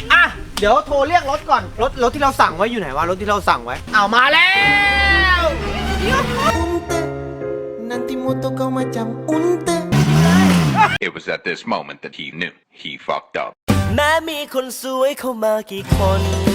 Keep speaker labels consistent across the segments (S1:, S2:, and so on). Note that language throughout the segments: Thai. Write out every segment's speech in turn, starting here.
S1: อ่ะเดี๋ยวโทรเรียกรถก่อนรถที่เราสั่งไว้อยู่ไหนวะรถที่เราสั่งไว้เอามาแล้ว
S2: Nanti moto kau macam unta.
S3: It was at this moment that he knew he fucked up.
S4: แม้มีคนสวยเข้ามากี่คน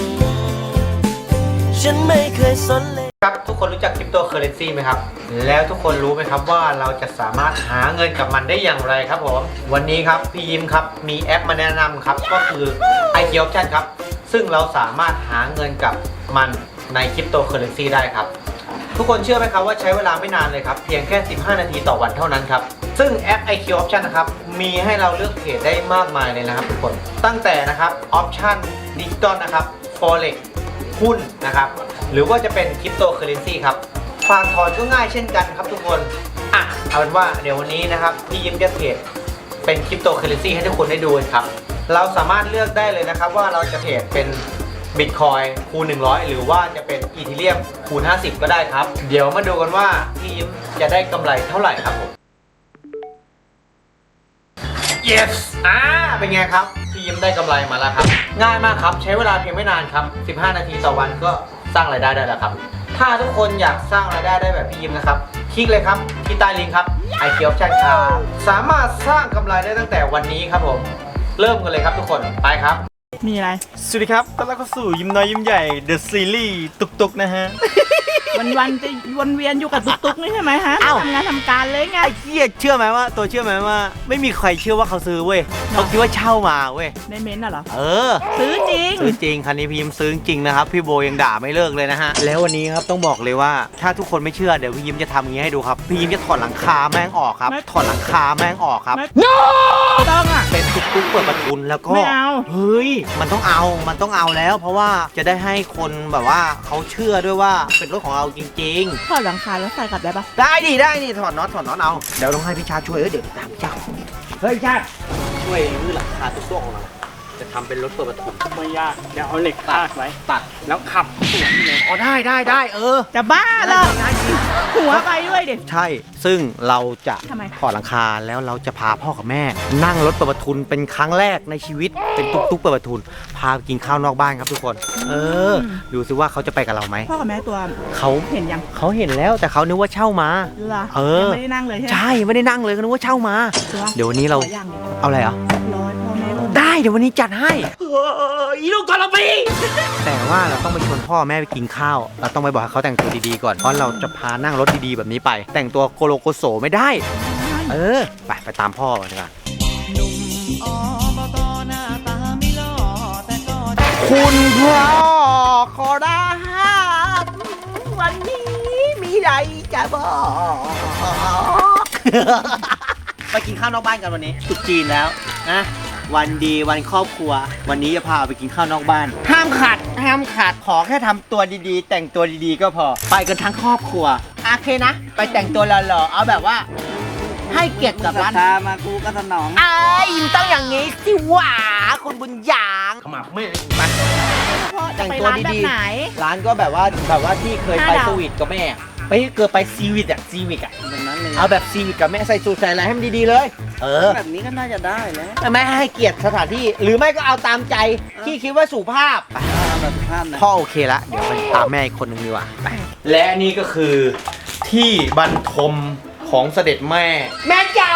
S4: ฉันไม่เคยสนเลย
S1: ครับทุกคนรู้จักคริปโตเคอเรนซีไหมครับแล้วทุกคนรู้ไหมครับว่าเราจะสามารถหาเงินกับมันได้อย่างไรครับผมวันนี้ครับพี่ยิ้มครับมีแอปมาแนะนำครับก็คือ IQ Option ครับซึ่งเราสามารถหาเงินกับมันในคริปโตเคอเรนซีได้ครับทุกคนเชื่อไหมครับว่าใช้เวลาไม่นานเลยครับเพียงแค่15นาทีต่อวันเท่านั้นครับซึ่งแอป IQ Option นะครับมีให้เราเลือกเทรดได้มากมายเลยนะครับทุกคนตั้งแต่นะครับออปชั่นดิจิตอลนะครับ Forex หุ้นนะครับหรือว่าจะเป็นคริปโตเคอเรนซีครับฝากถอนก็ง่ายเช่นกันครับทุกคนเอาเป็นว่าเดี๋ยววันนี้นะครับพี่ยิ้มจะเทรดเป็นคริปโตเคอเรนซีให้ทุกคนได้ดูครับเราสามารถเลือกได้เลยนะครับว่าเราจะเทรดเป็นบิตคอยคูณ100หรือว่าจะเป็นอีเธเรียมคูณ50ก็ได้ครับเดี๋ยวมาดูกันว่าพี่ยิ้มจะได้กำไรเท่าไหร่ครับผม yes เป็นไงครับพี่ยิ้มได้กำไรมาแล้วครับง่ายมากครับใช้เวลาเพียงไม่นานครับ15นาทีต่อวันก็สร้างรายได้ได้แล้วครับถ้าทุกคนอยากสร้างรายได้ได้แบบพี่ยิ้มนะครับคลิกเลยครับที่ใต้ลิงก์ครับ IQ Option ครับสามารถสร้างกำไรได้ตั้งแต่วันนี้ครับผมเริ่มกันเลยครับทุกคนไปครับ
S5: มีอะไร
S1: สวัสดีครับต้อนรับเข้าสู่ยิ้มน้อยยิ้มใหญ่ The Series ตุกๆนะฮะ
S5: วันจะวนเวียนอยู่กับตุ๊กๆนี่ใช่ไหมฮะ
S1: เอ้า
S5: ทำงานทำการเลยไง
S1: ไอ้เหี้ยเชื่อไหมว่าตัวเชื่อไหมว่าไม่มีใครเชื่อว่าเขาซื้อเว้ยเขาคิดว่าเช่ามาเว้ย
S5: ในเม้นท์น่ะเหรอ
S1: เออ
S5: ซื้อจริง
S1: ซื้อจริงคันนี้พี่ยิ้มซื้อจริงนะครับพี่โบยังด่าไม่เลิกเลยนะฮะแล้ววันนี้ครับต้องบอกเลยว่าถ้าทุกคนไม่เชื่อเดี๋ยวพี่ยิ้มจะทำอย่างนี้ให้ดูครับพี่ยิ้มจะถอดหลังคาแม่งออกครับถอดหลังคาแม่งออกครับ
S5: ไม่ต้องอ่ะ
S1: เป็นตุ๊กๆเปิดประทุนแล้วก็
S5: ไม่เอา
S1: เฮ้ยมันต้องเอาแล้ว เพราะว่าจะได้ให้คนแบบว่าเขาเชื่อด้วยว่าเป็นรถของเราจริง
S5: ถอดหลังคาแล้วใส่กลับได้ปะ
S1: ๆได้ดิถอดน็อตเอาเดี๋ยวต้องให้พี่ชาช่วยเดี๋ยวตามพี่ชาเฮ้ยพี่ชาช่วยรื้อหลังคาตุ๊กๆของเราจะทำเป็นรถเปิดประทุน
S6: ไม่ยากเดี๋ยวเอาเหล็กพาดไว้
S1: ตัด
S6: แล้วขับสวนเลย
S1: อ๋อได้
S5: จะบ้าเหรอหัวไปด้วยดิ
S1: ใช่ซึ่งเราจะ
S5: ทำไม
S1: ถอดหลังคาแล้วเราจะพาพ่อกับแม่ นั่งรถเปิดประทุนเป็นครั้งแรกในชีวิตเป็นตุ๊กๆเปิดประทุนพาไปกินข้าวนอกบ้านครับทุกคน ดูซิว่าเขาจะไปกับเราไหม
S5: พ่อกับแม่ตัว
S1: เขา
S5: เห็นยัง
S1: เขาเห็นแล้วแต่เขานึกว่าเช่ามา
S5: เหรอ
S1: เออ
S5: ยังไม่ได้นั่งเลยใช่ไหม
S1: ใช่ไม่ได้นั่งเลยเขานึกว่าเช่ามา
S5: ตัว
S1: เดี๋ยววันนี้เรา
S5: ขอย่าง
S1: เอาอะไรอ่ะ
S5: ร้อยพ่อแม่อุ้ม
S1: ได้เดี๋ยววันนี้จัดให้อีลูกกอลปีแต่ว่าเราต้องไปชวนพ่อแม่ไปกินข้าวเราต้องไปบอกให้เขาแต่งตัวดีๆก่อนเพราะเราจะพานั่งรถดีๆแบบนี้ไป แต่งตัวโกโลโกโสไม่ได้ไปตามพ่อดีกว่าคุณพ่อขอรับวันนี้มีอะไรจะบอกไปกินข้าวนอกบ้านกันวันนี้ตรุษจีนแล้วนะวันดีวันครอบครัววันนี้จะพาไปกินข้าวนอกบ้านห้ามขาดขอแค่ทำตัวดีๆ แต่งตัวดีๆก็พอไปกันทั้งครอบครัวโอเคนะไปแต่งตัวหล่อๆเอาแบบว่าให้เกียรติกับร้าน
S6: ตามากูก็สนอง
S1: ต้องอย่างนี้สิหว่าคุณบุญยางขมับไม่ไป
S5: พ่อจะ
S1: แต่ง
S5: ไป
S1: ตัว
S5: ร้านแบบ
S1: ดี
S5: ไหน
S1: ๆร้านก็แบบว่าที่เคยไป
S5: 5 ดาว
S1: สวีทกับแม่ไปเกิดไปซีวิตอะ
S6: แบบนั้นเลย
S1: เอาแบบซีวิตกับแม่ใส่สูทใส่อะไรให้มันดีๆเลย
S6: แบบนี้ก็น่าจะได้แล้ว
S1: แม่ให้เกียรติสถานที่หรือไม่ก็เอาตามใจที่คิดว่าสุภาพ
S6: แบบสุภาพนะ
S1: พ่อโอเคละเดี๋ยวไปตามแม่อีกคนนึงดีกว่าไปและนี่ก็คือที่บรรทมของเสด็จแม่แม่จ๋า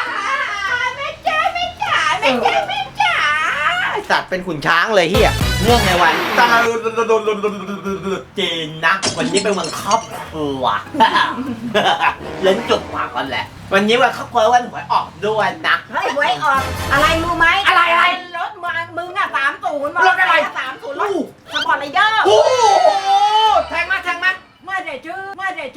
S1: สัตว์เป็นขุนช้างเลยเฮียเนื่องในวันจีนนะวันนี้เป็นวันครอบครัวเล่นจุดปากกันแหละวันนี้วันครอบครัววันหวยออกด้วยนะ
S7: เฮ้ยหวยออกอะไรรู้ไหม
S1: อะไร
S7: รถมึงอ่ะ30
S1: รถอะไร
S7: 30รถสปอร์ตไรเดอร์
S1: โอ้โหแทงมา
S7: ไม่ได้ชื่อ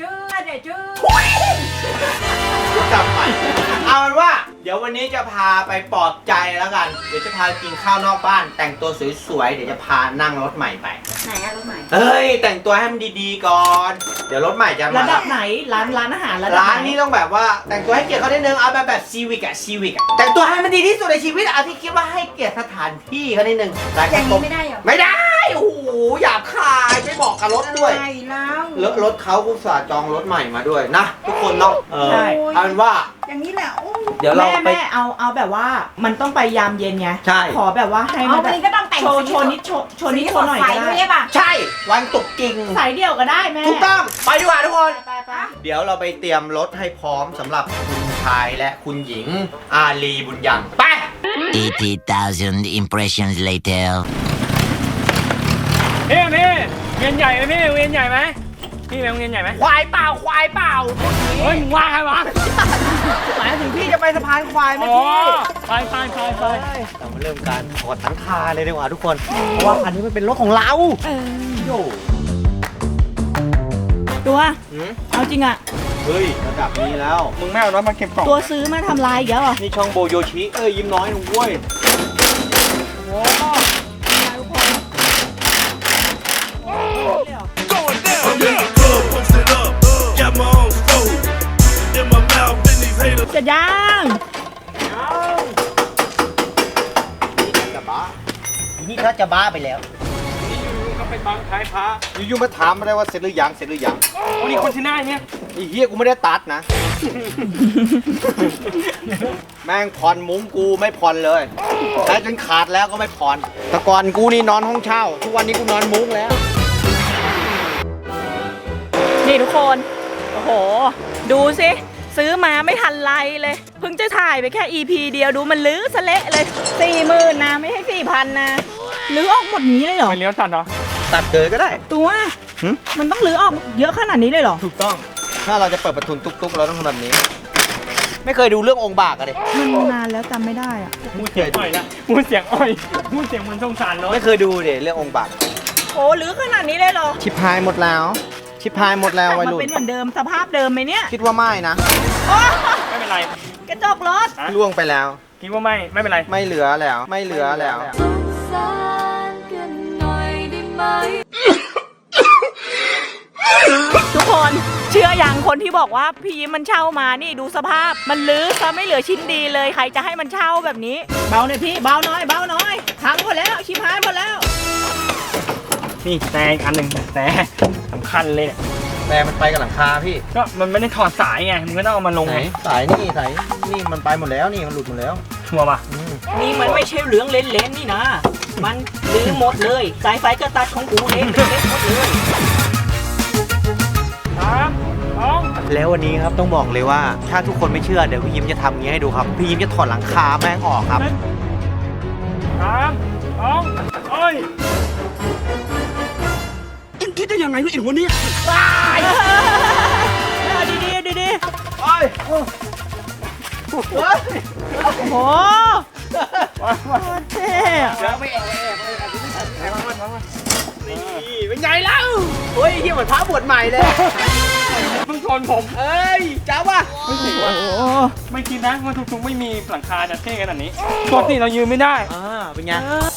S1: จำไปเอาเป็นว่าเดี๋ยววันนี้จะพาไปปลอบใจแล้วกันเดี๋ยวจะพากินข้าวนอกบ้าน แต่งตัวสวยๆเดี๋ยวจะพานั่งรถใหม่ไป
S7: ไหนอะรถไหน
S1: เฮ้ยแต่งตัวให้มันดีๆก่อน เดี๋ยวรถใหม่จะ
S5: ระ
S1: มา
S5: ดับไหนร้านอาหารระดับ
S1: ร้าน
S5: ไหน
S1: นี้ต้องแบบว่าแต่งตัวให้เกียรติเขาได้นึงเอาแบบซีวิกอะแต่งตัวให้มันดีที่สุดในชีวิตเอาที่คิดว่าให้เกียรติสถานที่เขาได้นึงร้าน
S7: อย่าง
S1: ข้าวต้
S7: นี้ไม่ได้เหรอ
S1: ไม่ได้โอ้โหหยาบคายไม่บอกกับรถด้วย
S7: ใช่แล้ว
S1: รถเขาอุตส่าห์จองรถใหม่มาด้วยนะทุกคนเนาะเอาเป็นว่า
S7: อย่างนี้แหละโอ้
S1: เดี๋ยวเราไป
S5: แม่เอาแบบว่ามันต้องไปยามเย็นไง
S1: ใช่
S5: ขอแบบว่าให้
S7: เอา
S5: มัน
S7: วันนี้ก็ต้องแต่ง
S5: โชว์นิดโชว์นิดโชว์หน่อยก็
S7: สีสดใส
S5: ได้
S7: ด้วยใช่ป่ะ
S1: ใช่วันตกจริง
S5: สายเดี่ยวก็ได้แม่
S1: ถูกต้องไปดีกว่าทุกคน
S5: ไป
S1: เดี๋ยวเราไปเตรียมรถให้พร้อมสำหรับคุณชายและคุณหญิงอาลีบุญยังไป
S8: 80,000 impressions later.
S9: พี่เวียนใหญ่ไหมพี่เวียนใหญ่ไหมพี่เวียนใหญ่ไหม
S1: ควายเปล่า
S9: เฮ้ยมึงว่าใครวะ
S1: หมายถึงพี่จะไปสะพานควายไหม
S9: อ๋อ
S1: พี่
S9: ไป
S1: เรามาเริ่มการถอดหลังคาเลยดีกว่าทุกคน เพราะว่าอันนี้มันเป็นรถของเราโย่
S5: ตัวเอาจริงอะ
S1: เฮ้ยระดับนี้แล้ว
S9: มึงไม่เอารถมาเก็บกล่อง
S5: ตัวซื้อมาทำลายอีกแล้วเหรอ
S1: นี่ช่องโบโยชิยิ้มน้อยหนุ่มเว้ย
S5: จะย่าง
S1: จะบ้านี่เขาจะบ้าไปแล้ว
S9: ก็ไปบังท้ายพระ
S1: อยู่ๆมาถามมาได้ว่าเสร็จหรือยัง
S9: วันนี้คนที่หน้าเนี่ย
S1: ไอ้เฮียกูไม่ได้ตัดนะ แม่งผ่อนมุ้งกูไม่ผ่อนเลยใช้จนขาดแล้วก็ไม่ผ่อนแต่ก่อนกูนี่นอนห้องเช่า ทุกวันนี้กูนอนมุ้งแล้ว
S5: นี่ทุกคนโอ้โหดูสิซื้อมาไม่ทันไรเลยเพิ่งจะถ่ายไปแค่ EP เดียวดูมันลื้อสะเละเลย40,000นะไม่ใช่4,000นะลื้อออกหมดนี้เลยเหรอ
S9: ไปเลี้ยวตัดเหรอ
S1: ตัดเลยก็ได้
S5: ตัว
S1: หึ
S5: มันต้องลื้อออกเยอะขนาดนี้เลยเหรอ
S1: ถูกต้อง ถ้าเราจะเปิดประทุนตุ๊กๆเราต้องทำแบบนี้ ไม่เคยดูเรื่ององค์บากอะดิ
S5: มันนานแล้วจำไม่ได้อะ
S9: พูดเสียงอ้อยละพูดเสียงอ้อยพูดเสียงเหมันสงสารรถ
S1: ไม่เคยดูดิเรื่ององค์บาก
S5: โอ้ลื้อขนาดนี้เลยเหรอ
S1: ชิพายหมดแล้ว ชิพายหมดแล้ว
S5: กลับ
S1: วัย
S5: มา
S1: รุ่น
S5: เป็นเหมือนเดิมสภาพเดิมไหมเนี่ย
S1: คิดว่าไม่นะ
S5: โอ้
S9: ไม่เป็นไร
S5: กระจกรถ
S9: ฮะ
S1: ล่วงไปแล้ว
S9: คิดว่าไม่เป็นไร
S1: ไม่เหลือแล้ว ไม่เหลือแล้ว
S5: ทุกคนเชื่ออย่างคนที่บอกว่าพี่ยิ้มมันเช่ามานี่ดูสภาพมันลื้อซะไม่เหลือชิ้นดีเลยใครจะให้มันเช่าแบบนี้ เบาหน่อยพี่เบาหน่อยพังหมดแล้วชิบหายหมดแล้ว
S9: นี่แต่อีกอันหนึ่งแต่สำคัญเลยเนี่ย
S1: แต่มันไปกับหลังคาพี่
S9: ก็มันไม่ได้ถอดสายไงมึงก็ต้องเอามาลง
S1: ไหน สายนี่มันไปหมดแล้วนี่มันหลุดหมดแล้ว
S9: ชัวร์ป่ะ
S5: นี่มันไม่ใช่เหลืองเล่นๆนี่นะมันลื้อหมดเลยสายไฟก็ตัดของกูเองเล็กหมดเลย
S9: ครับน้อง
S1: แล้ววันนี้ครับต้องบอกเลยว่า ถ้าทุกคนไม่เชื่อเดี๋ยวพี่ยิ้มจะทำอย่างนี้ให้ดูครับ พี่ยิ้มจะถอดหลังคาแม่งออกครับ
S9: ครับน้องโอ้ย
S5: เอาดีโอ้โหโคตรเท่อะ
S1: เป็นไงเล่าโอ้ยเฮียเหมือนพระบวชใหม่เลย
S9: เพิ่งชนผม
S1: เอ้ยจ้าว่ะ
S5: โอ้โห
S9: ไม่คิดนะว่าทุกๆไม่มีหลังคาจะเท่ขนาดนี้ปกติเรายืนไม่ได้
S1: เป็นไง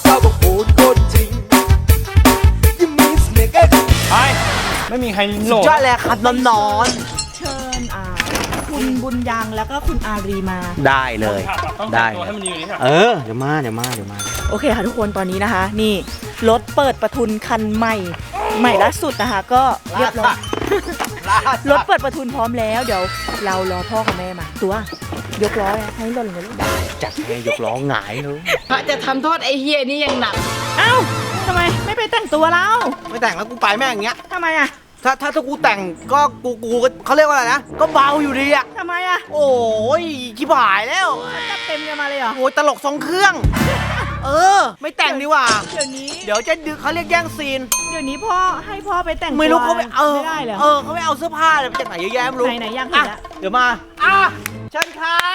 S9: ไปไม่มีใครโหลด
S1: จ้าแหละครับนอน
S5: เชิญคุณบุญยังแล้วก็คุณอารีมา
S1: ได้เลย
S9: ต้อง
S1: ได้
S9: แต่งตัวให้มันยืนนี่ค่ะ
S1: เดี๋ยวมา
S5: โอเคค่ะทุกคนตอนนี้นะคะ นี่รถเปิดประทุนคันใหม่ล่าสุดนะคะ ก็เรียบร้อยรถเปิดประทุนพร้อมแล้วเดี๋ยวเรารอพ่อกับแม่มา ตัวยกล้อให้หล่นเลยลูกได้
S1: จัดให้ยกล้อหงายเลย
S7: พระจะทำโทษไอ้เฮียนี่ยังหนัก
S5: เอ้าทำไมไม่ไปแต่งตัวเรา
S1: ไม่แต่งแล้วกูไปแม่งอย่างเงี้ย
S5: ทำไมอะ
S1: ถ้ากูแต่งก็กูก็เขาเรียกว่าอะไรนะ ก็เบาอยู่ดีอะ
S5: ทำไมอะ
S1: โอ้ยชิบหายแล้ว
S5: จัดเต็มกันมาเลยเหรอ
S1: โอ้ยตลกทรงเครื่อง ไม่แต่งดีกว่า
S5: เดี๋ยวนี้
S1: เดี๋ยวจะดึกเขาเรียกแย่งซีน
S5: เดี๋ยวนี้พ่อให้พ่อไปแต่งตัว
S1: ไม่รู้เขาไม่
S5: ไม่ได้เหรอ
S1: เขาไม่เอาเสื้อผ้าเลยมาจากไหนเยอะแยะไม่รู้
S5: ไหนๆอยากเห็นละ
S1: เดี๋ยวมาเชิญครับ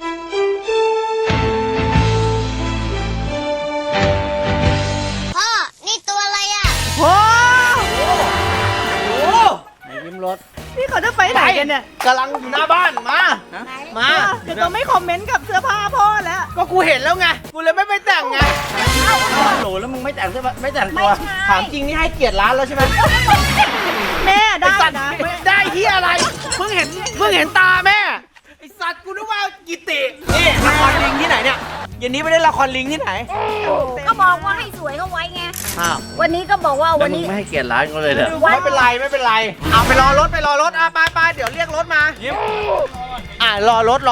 S10: พ่อ นี่ตัวอะไรอ่ะ
S5: โอ้
S1: โอ้ไหนยิ้มรถ
S5: นี่เขาจะไปไหนกันเนี่ย
S1: กำลังอยู่หน้าบ้านมา
S5: เดี๋ยวต้องไม่คอมเมนต์กับเสื้อผ้าพ่อแล้ว
S1: ก็กูเห็นแล้วไงกูเลยไม่ไปแต่งไงโหลแล้วมึงไม่แต่งเสื้อผ้าไม่แต่งตัวถามจริงนี่ให้เกียรติร้านแล้วใช่ไหม
S5: แม่ได้
S1: ไอ้สัตว์
S5: นะ
S1: ได้ที่อะไรเพิ่งเห็นตาแม่ไอสัตว์กูนึกว่ากิตินี่ละครลิงที่ไหนเนี่ยเย็นนี้ไปได้ละครลิงที่ไหน
S10: ก็บอกว่าให้สวยเข้าไว้ไง
S1: อ้าว
S7: วันนี้ก็บอกว่า
S6: แล้ว
S7: วัน
S6: มึง
S7: นี้
S6: ไม่ให้เกียรติร้านเขาเลยเหรอ
S1: ไม่เป็นไรไม่เป็นไรเอาไปรอรถอ่ะไปเดี๋ยวเรียกรถมารอรถ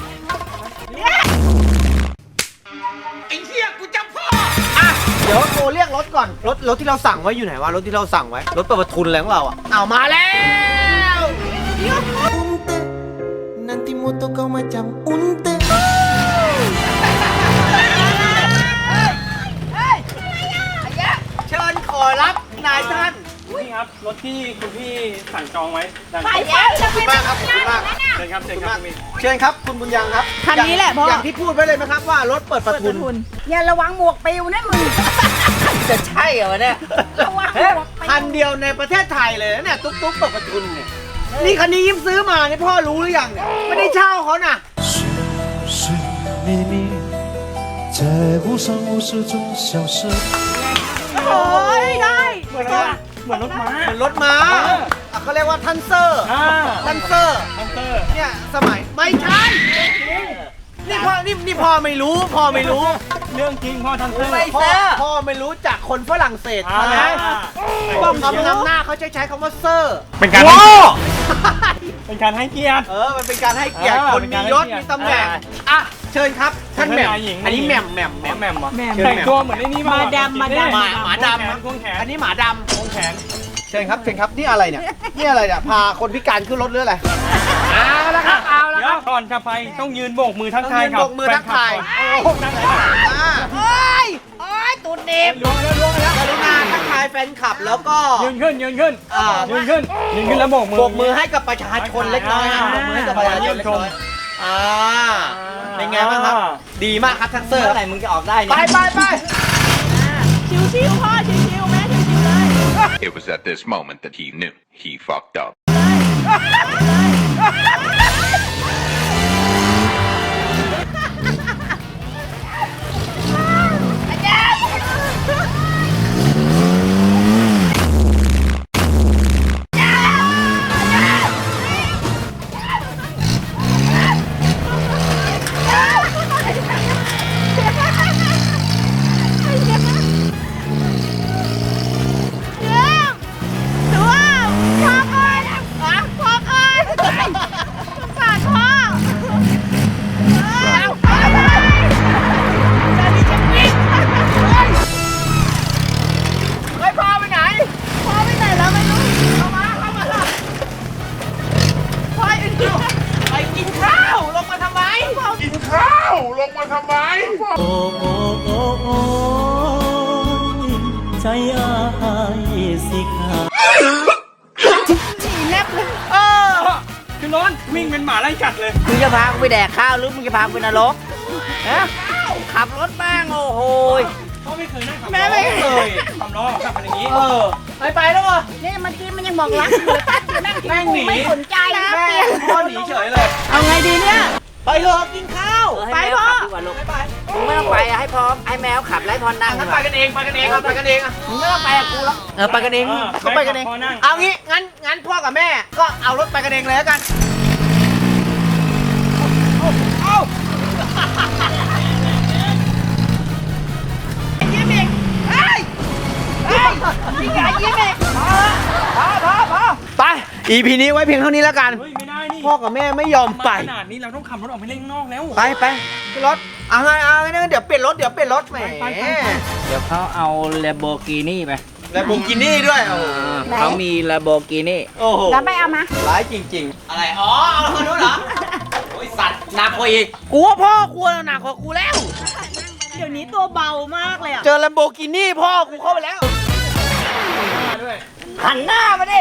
S1: ไอ้เหี้ยกูจำพ่ออ่ะเดี๋ยวโทรเรียกรถก่อนรถที่เราสั่งไว้อยู่ไหนวะรถที่เราสั่งไว้รถเปิดประทุนอะไรของเราอ่ะเอามาแล้ว
S2: Unte, nanti moto kau macam unte.
S1: เชิญขอรับนายท่าน
S9: นี่ครับรถที่คุณพี่สั่งจองไว้ดัง
S7: ไปแล้วจะ
S1: ขอบคุณมากครับขอบคุณมาก
S9: เชิญครับเชิญครับคุณพี่
S1: เชิญครับคุณบุญยังครับ
S5: คันนี้แหละพ่อ
S1: อย่างที่พูดไว้เลยไหมครับว่ารถเปิดประ
S5: เปิด
S1: ทุ
S5: ป
S1: น
S5: ระทุน
S7: อย่าระวังหมวกปิวนะมึง
S1: จะใช่เหรอเนี่ย
S7: ระวังหมวกปิว
S1: คันเดียวในประเทศไทยเลยนะเนี่ยตุ๊กเปิดประทุนเนี่ยนี่คันนี้ยิ้มซื้อมานี่พ่อรู้หรือยังเนี่ยไม่ได้เช่าเขาน่ะ
S2: 寻觅觅，在无声无息中消失。
S5: โอ้ยได้
S9: เหมือนอะไรเหมือนรถม้า
S1: เหมือนรถม้าอ่ะเขาเรียกว่าทันเซอร์ ทันเซอร์
S9: ทันเตอร์
S1: เนี่ยสมัยไม่ใช่นี่พ่อนี่พ่อไม่รู้พ่อไม่รู้
S9: เรื่องจริงพ่อทันเตอร์
S1: พ่อไม่รู้จักคนฝรั่งเศส
S9: อ่า
S1: ใช่ไหมบอกคำนำหน้าเขาใช้คำว่าเซอร์
S9: เป็นการ
S1: โว้
S9: เป็นการให้เกียรติ
S1: มันเป็นการให้เกียรติ
S9: เออ
S1: คน
S9: เป็น
S1: มี
S9: การให้
S1: ยศ
S9: เกียรติ
S1: มีตำแหน่งอ่ะเชิญครับท่านแหม่ม
S9: หญิง
S1: อันนี้แหม่ม
S9: แหม่มเหรอ
S5: แหม่ม
S9: แต่งตัวเหมือนไอ้นี่
S5: มาดำ
S1: หมาดำ
S9: ควงแขน
S1: อันนี้หมาดำ
S9: ควงแขน
S1: เชิญครับเชิญครับนี่อะไรเนี่ยนี่อะไรเนี่ยพาคนพิการขึ้นรถหรืออะไรเอาละครับเอาละ
S9: เดี๋
S1: ค
S9: ย
S1: รั
S9: ว
S1: บ
S9: ก่อนจะไปต้องยืนโบกมือทัก
S1: ต้อง
S9: ทาย
S1: ยืน
S9: กับ
S1: โบกมือทักทาย
S9: โอ้โหนั่งไหนล่ะ
S1: โอ้ย
S7: ตูดเด็บ
S9: ล้วงแล้วล้วงแล้ว
S1: กรุณาทักทายแฟนคลับแล้วก็
S9: ยืนขึ้น
S1: อ่า
S9: ยืนขึ้นแล้วโบกมือ
S1: โบกมือให้กับประชาชนเล็กน้อยครับโบกมือให้กับประชาชนเล็กน้อยเป็นไงบ้างครับ ดีมากครับทันเซอร์
S6: เมื่อไหร่มึงจะออกได้
S1: ไป
S6: เนี่ย
S1: ไป
S5: ชิวๆพ่อชิวๆแม่ชิวๆเลย
S3: It was at this moment that he knew he fucked up.
S1: เฮ้ยพ่อไปไหนพ่อไปไหนแล้วไม่รู้เข้ามาพ่อไปกินข้าวลงมาทำไม
S6: ใจอายสิขา
S9: คือร้อนวิ่งเป็นหมาไล่กัดเลย
S6: มึงจะพากูไปแดกข้าวหรือมึงจะพากูไปนรกฮะขับรถแม่งโอ้โห
S9: พ่อไม่เคยนั่งขับ
S1: แม่ไม่เคย
S9: ขับล้อขับเป็นอย่างนี้
S1: ไปแล้วเหรอ
S7: นี่เมื่อกี้มันยังบอกรักอยู่เลยตั้งอยู่นั่งกินกูไม่สนใจนะ
S1: แม่
S7: เปลี่ยน
S1: พ่อหนีเฉยเลย
S5: เอาไงดีเนี่ย
S1: ไปเถอะกินข้าว
S6: ไปพ่อมึงไม่ต้องไปให้พร้อมให้แมวขับไล่พรนั่ง
S1: งั้นไปกันเองไปกันเองครับไปกันเองอ่ะ
S6: มึงไม่ต้องไปกับกูแล้ว
S1: ไปกันเองก็ไปกันเอง
S9: พ่อนั่ง
S1: เอางี้งั้นพ่อกับแม่ก็เอารถไปกันเองเลยแล้วกันยิ้มอีกเฮ้ยมีการยิ้มอีกพอไป EP นี้ไว้เพียงเท่านี้แล้วกัน
S9: เฮ้ยไม่ได้นี่
S1: พ่อกับแม่ไม่ยอมไป
S9: ขนาดนี้เราต้องขับรถออกไปเล่นข้างนอกแล้ว
S1: ไปขึ้นรถเอาไงเดี๋ยวเปลี่ยนรถแหม
S9: ไป
S6: เดี๋ยวเขาเอาแลมโบกินี่ไป
S1: แล้วบุกินี่ด้วยโอ้โห
S6: เขามีแลมโบกินี่
S1: โอ้โห
S7: แล้วไปเอามา
S1: ร้ายจริงๆ อะไร อ๋อ เอาคนนู้นเหรอ โอ้ยสัตว์หนักกว่าอีก กูว่าพ่อกูหนักกว่ากูแล้ว
S5: เดี๋ยวนี้ตัวเบามากเลยอ่ะ
S1: เจอลัมโบกินี่พ่อกูเข้าไปแล้ว
S6: หันหน้ามาดิ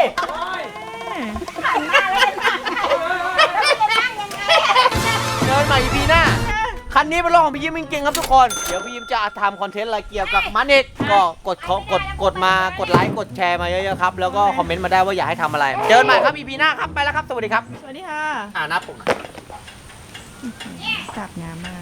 S1: เดินใหม่ EP หน้า คันนี้เป็นรถของพี่ยิ้มจริงๆครับทุกคน เดี๋ยวพี่ยิ้มจะทำคอนเทนต์อะไรเกี่ยวกับมันอีกก็กดไลค์กดแชร์มาเยอะๆครับ แล้วก็คอมเมนต์มาได้ว่าอยากให้ทำอะไร เจอกันใหม่ครับ EP หน้าครับ ไปแล้วครับ สวัสดีครับ
S5: สวัสดีค่ะ
S1: นับผม
S5: จับงามมาก